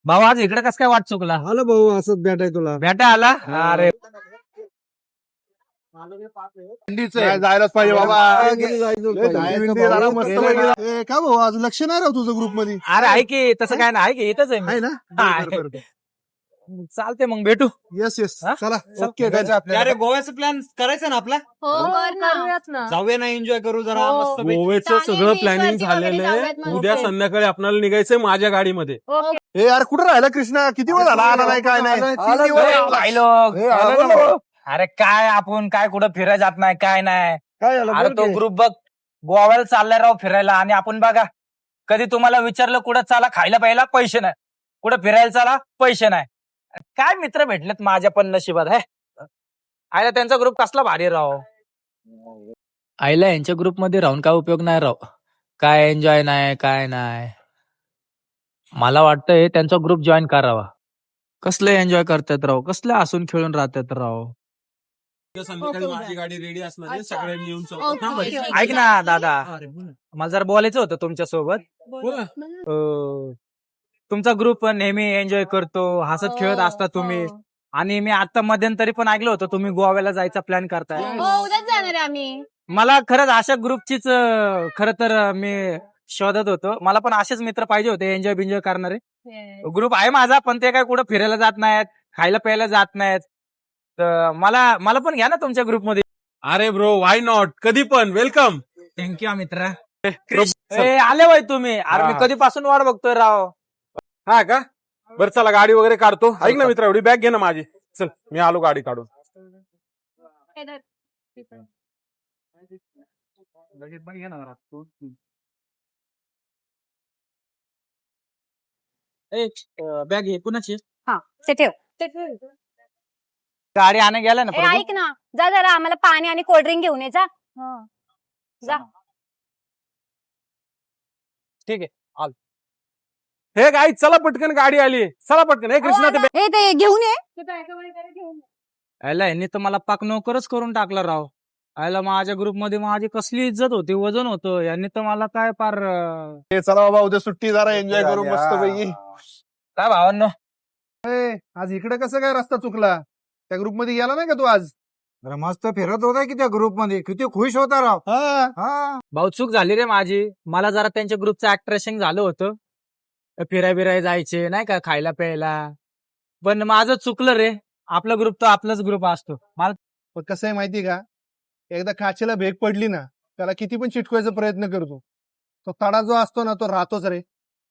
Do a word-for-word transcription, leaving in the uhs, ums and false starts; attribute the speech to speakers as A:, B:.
A: भाऊ आज इकडे कस काय वाट चुकला?
B: आलो भाऊ असंच भेटाय तुला.
A: भेटा आला? अरे
C: नाही, जायलाच पाहिजे बाबा. लय थंडी बिंडी जरा मस्त पैकी.
B: ए, का भाऊ आज लक्ष नाही राव तुझं ग्रुप मध्ये
A: अरे आहे की तसं काय नाही, आहे की इथंच आहे मी.
B: आहे ना?
A: हा,
B: बरं, बरं, बरं.
A: चालते मग भेटू.
B: येस येस
A: हा?
B: चला
A: चल.
B: ओके
D: अरे गोव्याचा प्लॅन करायचा ना आपला.
E: हो कर ना. करूयात ना.
D: जाऊया ना, एन्जॉय करू जरा
E: हो.
D: मस्त.
F: गोव्याचं
E: चालेल,
F: सगळं
E: beach
F: प्लॅनिंग
E: वरती वगैरे
F: झालेलं
E: जाऊयात
F: आहे.
E: मग.
F: उद्या
E: ओके.
F: संध्याकाळी आपल्याला निघायचंय माझ्या गाडीमध्ये.
E: ओके.
C: ए यार कुठं राहिला कृष्णा? किती वेळ झाला आला नाही काय नाही.
B: तीन दिवस.
A: अरे, भाई लोक.
C: ए, आला ना भाऊ.
A: अरे काय आपण काय कुठं फिरायला जात नाही काय नाही.
B: काय झालं
A: अरे
B: बोल
A: तो
B: की.
A: ग्रुप बघ गोव्याला चाललाय राव फिरायला, आणि आपण बघा कधी तुम्हाला विचारलं कुठं चाला खायला प्यायला पैसे नाही, कुठं फिरायला चाला पैसे नाही. काय मित्र भेटलेत माझ्या पण नशिबात आहे. आयला त्यांचा ग्रुप कसला भारी राव. आईला यांच्या ग्रुप मध्ये राहून काय उपयोग नाही राव. काय एन्जॉय नाही काय नाही. मला वाटतंय त्यांचा ग्रुप जॉईन करावा. कसले एन्जॉय करतात राव, कसले हसून खेळून राहतात राव.
F: उद्या संध्याकाळी
E: ओके,
F: माझी
E: उद्या.
F: गाडी रेडी असणार आहे.
E: अच्छा.
F: सगळ्यांनी येऊन
E: ओके,
F: चौकात थांबायचं.
E: ओके.
A: ऐक ना दादा, मला जरा बोलायचं होतं तुमच्या सोबत.
F: बोला.
A: अं, तुमचा ग्रुप नेहमी एन्जॉय करतो, हसत खेळत असता तुम्ही.
E: हो.
A: आणि मी आता मध्यंतरी पण ऐकलं होतं तुम्ही गोव्याला जायचा प्लॅन करताय.
E: हो उद्याच जाणार आहे आम्ही.
A: मला खरंच अशा ग्रुपचीच अं, खरं तर अं, मी शोधत होतो. मला पण असेच मित्र पाहिजे होते एन्जॉय बिन्जॉय करणारे. ग्रुप आहे माझा, पण ते काय कुठं फिरायला जात नाहीत, खायला प्यायला जात नाहीत. तर मला मला पण घ्या ना तुमच्या ग्रुपमध्ये.
F: अरे ब्रो वाय नॉट, कधी पण वेलकम.
A: थँक्यू मित्र. ए, आले बाई तुम्ही. अरे मी
F: हा.
A: कधीपासून वाट बघतोय राव.
F: हा का? बरं चला गाडी वगैरे काढतो. ऐक ना मित्र, एवढी बॅग घे ना माझी. चल मी आलो गाडी काढून.
A: बॅग आहे कुणाची?
E: हा ते ठेव.
A: गाडी आणे गेला ना
E: ए
A: प्रभू?
E: ऐक ना, जा जरा आम्हाला पाणी आणि कोल्ड्रिंक घेऊन ये जा. जा.
A: ठीक आहे.
F: हे गाई चला पटकन, गाडी आली. चला पटकन. हे कृष्णा ते
E: हे ते घेऊन ये.
A: आयला यांनी तर मला पाक नोकरच करून टाकला राव. आयला माझ्या ग्रुप मध्ये माझी कसली इज्जत होती, वजन होतं. यांनी तर मला काय पार अं,
C: ए, चला बाबा उद्या सुट्टी जरा एन्जॉय करू मस्त पैकी.
A: काय भावांनो.
B: ए, आज इकडे कसं काय रस्ता चुकला? त्या ग्रुप मध्ये गेला नाही का तू आज?
G: जरा मस्त फिरत होता की त्या ग्रुप मध्ये, किती खुश होता राव.
B: हा
G: हा
A: भाऊ चूक झाली रे माझी. मला जरा त्यांच्या ग्रुपचं अट्रॅक्शन झालं होतं. फिराय बिराय जायचे नाही का, खायला प्यायला. पण माझं चुकलं रे. आपला ग्रुप तो आपलाच ग्रुप असतो. मला
B: पण कसं आहे माहिती का, एकदा काचेला भेग पडली ना, त्याला किती पण चिटकवायचा प्रयत्न करतो, तो तडा जो असतो ना तो राहतोच रे.